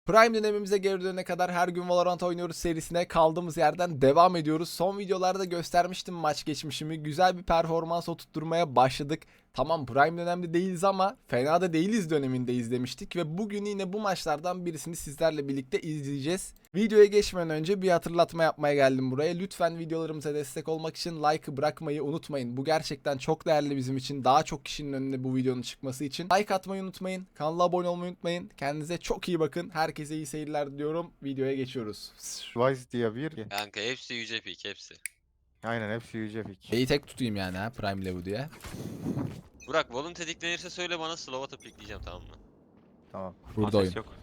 Prime dönemimize geri dönene kadar her gün Valorant oynuyoruz serisine kaldığımız yerden devam ediyoruz. Son videolarda göstermiştim maç geçmişimi. Güzel bir performans oturtmaya başladık. Tamam Prime dönemde değiliz ama fena da değiliz dönemindeyiz demiştik. Ve bugün yine bu maçlardan birisini sizlerle birlikte izleyeceğiz. Videoya geçmeden önce bir hatırlatma yapmaya geldim buraya. Lütfen videolarımıza destek olmak için like'ı bırakmayı unutmayın. Bu gerçekten çok değerli bizim için. Daha çok kişinin önüne bu videonun çıkması için. Like atmayı unutmayın. Kanala abone olmayı unutmayın. Kendinize çok iyi bakın. Herkese iyi seyirler diliyorum. Videoya geçiyoruz. Vice diye bir. Kanka hepsi yüce pik hepsi. Aynen hepsi yüce pik. İyi tek tutayım yani ha Prime Level diye. Burak volun tetiklenirse söyle bana slow atıp pikleyeceğim, tamam mı? Tamam. Burada oyun. Yok.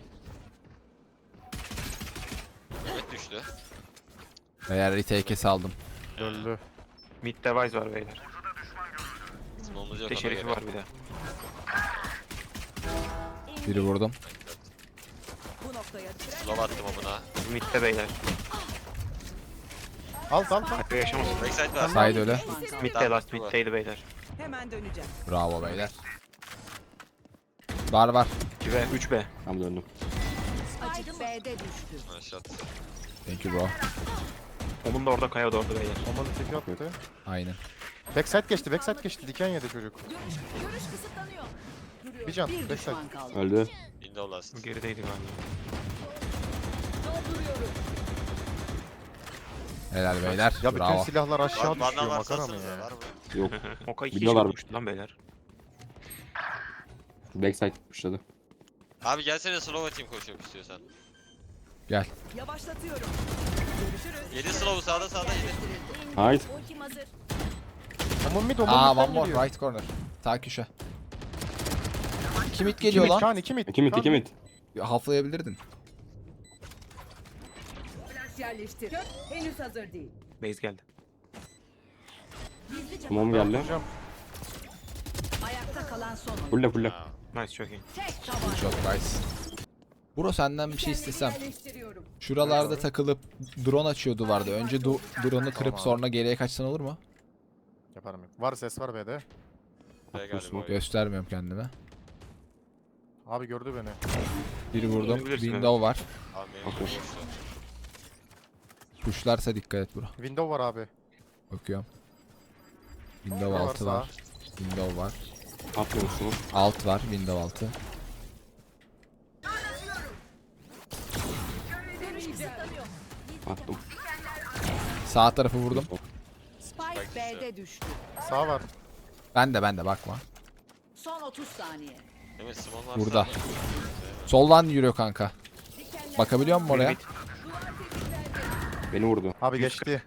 Evet düştü. Eğer retake'e saldım. Öldü. Mid device var beyler. Small'umuz yok Bir de ona şerifi göre. var bir de. Biri vurdum. Slow attım amına. Mid'de beyler. Al. Hakkı yaşamasın. Backside var. Side öyle. Mid'de last mid'deydi beyler. Hemen döneceğim. Bravo beyler. Var. 2B, 3B. Tam döndüm. Açık B'de düştü. Aşağı. Thank you bro. Onun da orada, Kaya da orada beyler. Bombalı tek yaptı. Aynen. Backside geçti. Diken yedi çocuk. Görüş kısıtlanıyor. Bir can. Bir Backside. düşman kaldı. Öldü. Window last. Gerideydi galiba. Helal beyler. Ya bütün Bravo. silahlar aşağı Vandal düşüyor. varsa Makara mı atsanıza, ya? var mı? Yok. Oka 2 Biliyorlar. çıkmıştı lan beyler. Backside pushladı. Abi gelsene slow atayım koşuyorum istiyorsan. Gel. Yavaşlatıyorum. Görüşürüz. 7 slow sağda yedi. Hayır. Ultim hazır. Aman mid Aa midden one more geliyor. right corner. Sağ köşe. 2 mid İki geliyor mid lan. Kaan 2 mid. 2 mid Kaan 2 mid. Haflayabilirdin. Flash yerleştir. Henüz hazır değil. Base geldi. Tamam geldi. Hocam. Ayakta kalan son. Fulle. Nice, çok iyi. Tek Good taban. shot guys. Bro senden bir şey istesem. Yerleştiriyorum. Şuralarda takılıp drone açıyor duvarda. Önce drone'u kırıp abi. sonra geriye kaçsan olur mu? Yaparım yok. Var ses var B'de. B galiba oyun. Göstermiyorum kendime. Abi gördü beni. Biri vurdum. Görebilirsin, Window var. Abi benim Okey. boştu. Pushlarsa dikkat et bro. Window var abi. Bakıyorum. Window Var altı sağ. var. Window var. Atmıyorsunuz. Alt var. Window altı. Attım. Sağ tarafı vurdum. Spike B'de düştü. Sağ var. Ben de bakma. Son 30 saniye. Değil mi? Small varsa Burada. atayım. Soldan yürüyor kanka. Bakabiliyor musun oraya? Mid. Beni vurdu. Abi geçti.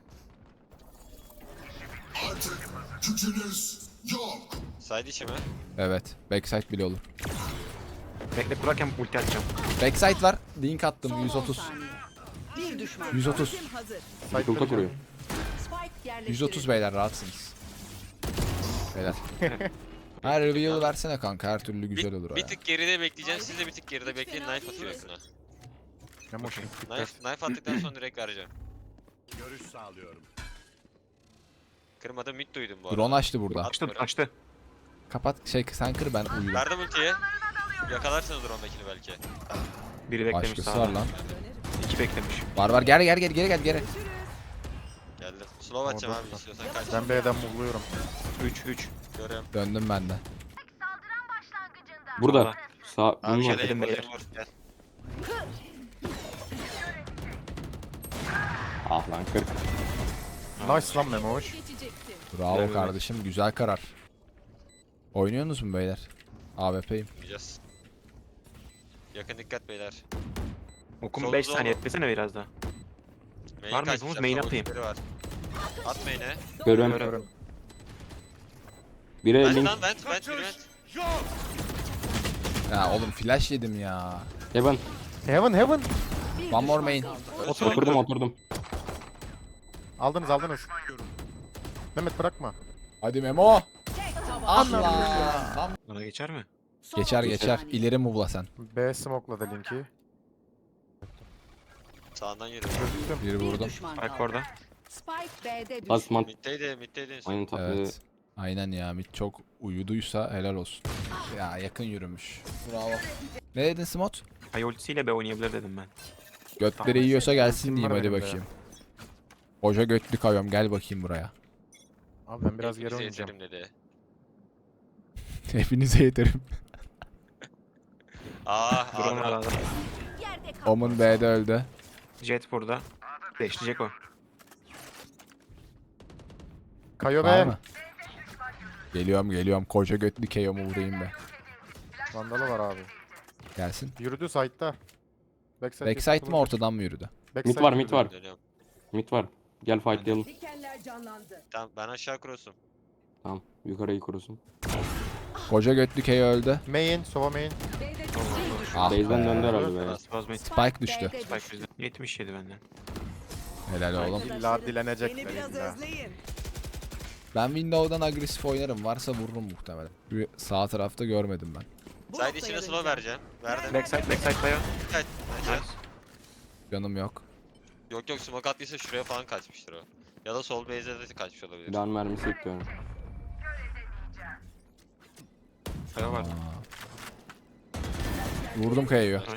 Side içi mi? Evet. Backside bile olur. Bekle, Burak'ken ulti atacağım. Backside var. Link attım. Son 10 130. saniye. Bir düşman. 130. Ultim hazır. Site'da Ulta bir kuruyor. Spike yerleştirildi. 130 beyler rahatsınız. Beyler. Her reveal versene kanka. Her türlü güzel olur o Bir ya. tık geride bekleyeceğim. Siz de bir tık geride bekleyin. Knife atıyor yakına. Ne motion. Knife attıktan sonra direkt vereceğim. Görüş sağlıyorum. Kırmadım, mid duydum bu arada. Drone açtı burada. Açtı. Kapat sen kır ben uyurum. Verdim ultiyi. Yakalarsınız drone'dakini belki. Biri beklemiş Başkası var sağda. lan. 2 beklemiş. Var geri gel geri. Geldim. Slow atacağım abi istiyorsan kaç. Ben B'den muvluyorum. 3. Görüyorum. Döndüm ben de. Burada. Sağ. Abi Bunun şöyle var. dedim vur, beyler. vur, gel. Ah lan 40. Nice lan Memoş. Bravo Evet. kardeşim. Güzel karar. Oynuyorsunuz mu beyler? AWP'yim. Yapacağız. Yakın dikkat beyler. Okum Solda 5 oğlum. saniye eklesene biraz daha. Main Var mı kaçmış, yapımız? Main hatta atayım. ultileri var. At main'e. Görüyorum. Görüyorum. Bire Vent link. lan vent biri vent. Ya oğlum flash yedim ya. Heaven. Heaven. Bir One more düşman main. kaldı. Oturdum. Aldınız. Mehmet bırakma. Hadi Memo. Tek taban. Allah. Bana geçer mi? Son Geçer 30 geçer. saniye. İleri move'la sen. B smoke'ladı linki. Sağından yürü. Çözdüm. Biri Bir vurdum. düşman Bak kaldı. orada. Spike B'de düştü. Basman. Middeydi. Aynen tatlı. Evet. Aynen ya mid çok uyuduysa helal olsun. Ya yakın yürümüş. Bravo. Ne dedin Smot? Ay ultisiyle B oynayabilir dedim ben. Götleri yiyorsa gelsin Kim diyeyim var hadi benim de? bakayım. Koca götlü kayıyorum gel bakayım buraya. Abi ben biraz geri Hepinize oynayacağım. yeterim dedi. Hepinize yeterim. Drone var Aa, arada. Yerde kal. Omun B'de öldü. Jet burada. Beşleyecek o. Kayo Var be. mı? Geliyorum. Koca götlü keyomu vurayım be. Vandalı var abi. Gelsin. Yürüdü side'da. Backside mi ortadan mı yürüdü? Mid var, mid var. dönüyorum. Mid var. Gel fightlayalım. Dikenler canlandı. Tamam ben aşağı cross'um. Tamam. Yukarıyı kurusun. Koca götlü keyo öldü. Main, sova main. B'de bir düşman. Ah Base'den be. döndü herhalde be. Spaz mid. Spike düştü. B'de Spike düştü. bizde. 77 benden. Helal oğlum. İlla dilenecekler illa. Ben Windows'dan agresif oynarım. Varsa vururum muhtemelen. Bir sağ tarafta görmedim ben. Side içine slow vereceğim. Verdim. Backside bayağı. Dikkat. Nice. Canım yok. Yok smoke attıysa şuraya falan kaçmıştır o. Ya da sol base'e de kaçmış olabilir. Silahın mermisi bekliyorum. Kaya var. Vurdum kayayı. Nice.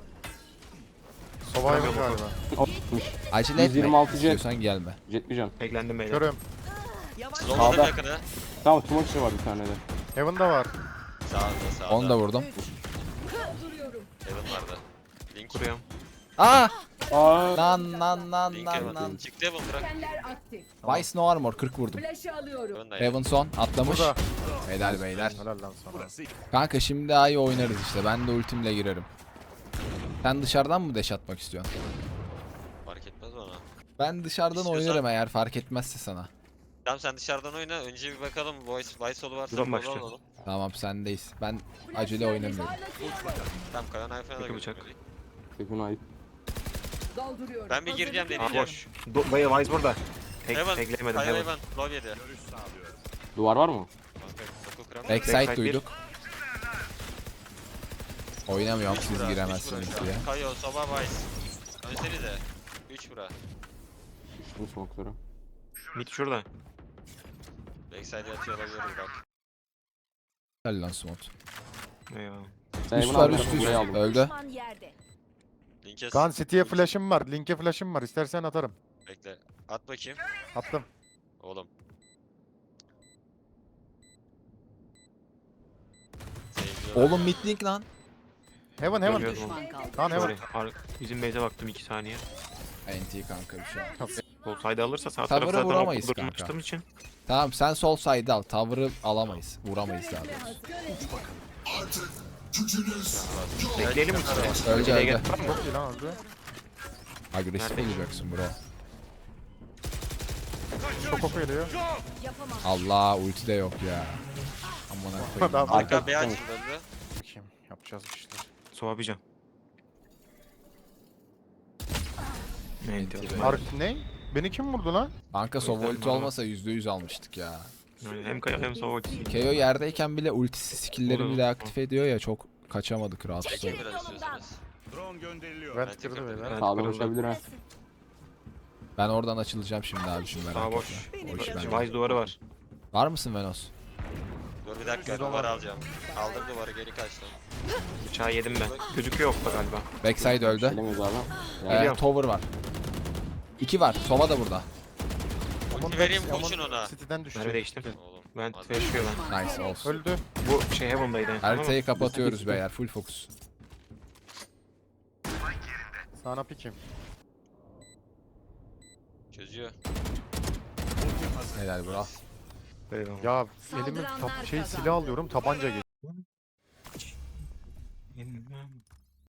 Sova yok galiba. Acele etme. 126 jet. İstiyorsan gelme. Jet bir can. Eklendim beyler. Körüm. Slowladım Sağda. yakını. Tamam smoke var bir tane de. Heaven'da var. Sağda. Onu da vurdum. Heaven vardı. Link. Kuruyorum. Aa! Aa. Lan. Link Heaven. Çıktı Heaven bırak. Dikenler aktif. Vice no armor 40 vurdum. Flash'ı alıyorum. Heaven da Heaven son atlamış. Burada. Helal beyler. Helal lan sana. Kanka şimdi daha iyi oynarız işte. Ben de ultimle girerim. Sen dışarıdan mı deş atmak istiyorsun? Fark etmez bana. Ben dışarıdan İstiyorsan- oynarım eğer fark etmezse sana. Tamam sen dışarıdan oyna. Önce bir bakalım. Vice solu varsa Buradan solu başlayalım. alalım. Tamam sendeyiz. Ben acele oynamıyorum. Tamam Kayan Ayfan'a da Peki bıçak. götürmedik. Tekun ayıp. Dolduruyorum. Ben bir gireceğim Hazırlık Aa deneyeceğim. boş. Bayağı Wise burada. Heaven. Tekleyemedim Kaya Heaven. Heaven. Low yedi. Duvar var mı? Kanka oku kıram. Backside Backside duyduk. Oynamıyorum Üç siz bura, üç giremezsiniz bura. diye. Kayo, Soba, Vice. Önsenize. 3 bura. Düştüm smoke'lara. Mid şurada. Backside'e atıyor olabiliriz bak. Helal lan Smot. Eyvallah. Sen Üst bunu var al, üst burayı aldım. Öldü. Düşman yerde. Link'e Kaan City'ye flash'ım var. Link'e flash'ım var. İstersen atarım. Bekle. At bakayım. Attım. Oğlum. Sevgili Oğlum midlink lan. Heaven heaven. Görüyorum. Düşman kaldı. Kaan heaven. Sorry. Bizim base'e baktım 2 saniye. NT kanka bir şey olmaz. Sol side alırsa sağ Tavırı tarafı zaten vuramayız okul kanka. açtığım için. Tamam sen sol side al. Tower'ı alamayız. Vuramayız daha doğrusu. Bekleyelim mi? Öldü Aceleye öldü. gerek var mı? Çok iyi lan öldü. Agresif Nerede? olacaksın bro. Çok oku geliyor. Yapamam. Allah ulti de yok ya. Aman koyayım. Adam- Arka B açıldı. Bakayım. Yapacağız bir şeyler. Soğamayacağım. Enti. Ark ne? Beni kim vurdu lan? Kanka sova Öldü, ulti var. olmasa %100 almıştık ya. Yani hem kaya hem soğuk. KO yerdeyken bile ultisi skill'leri Olur, bile olur. aktif ediyor ya çok kaçamadık rahatsız Çekin olduk. biraz istiyorsanız. Vent kırdı beyler. Evet, Sağdan kırıldı. uçabilir ha. Ben oradan açılacağım şimdi abi şimdi merak Sağ etme. boş. O iş bende. Wise duvarı var. Var mısın Venos? Dur bir dakika Yüz dolar. duvarı alacağım. Aldım duvarı geri kaçtım. Bıçağı yedim ben. Gözüküyor okta galiba. Backside öldü. Gelemiyoruz abi. Geliyorum. Tower var. 2 var. Sova da burada. Ulti vereyim koşun ona. City'den düştü. Mermi değiştim. Oğlum. Ben hadi. yaşıyor lan. Nice olsun. Öldü. Bu şey Heaven'daydı. en son ama Haritayı kapatıyoruz beyler. Full focus. Sana pikim. Çözüyor. Helal bro. eyvallah. Ya elimi Saldıranlar silah kazandı. alıyorum tabanca geliyor.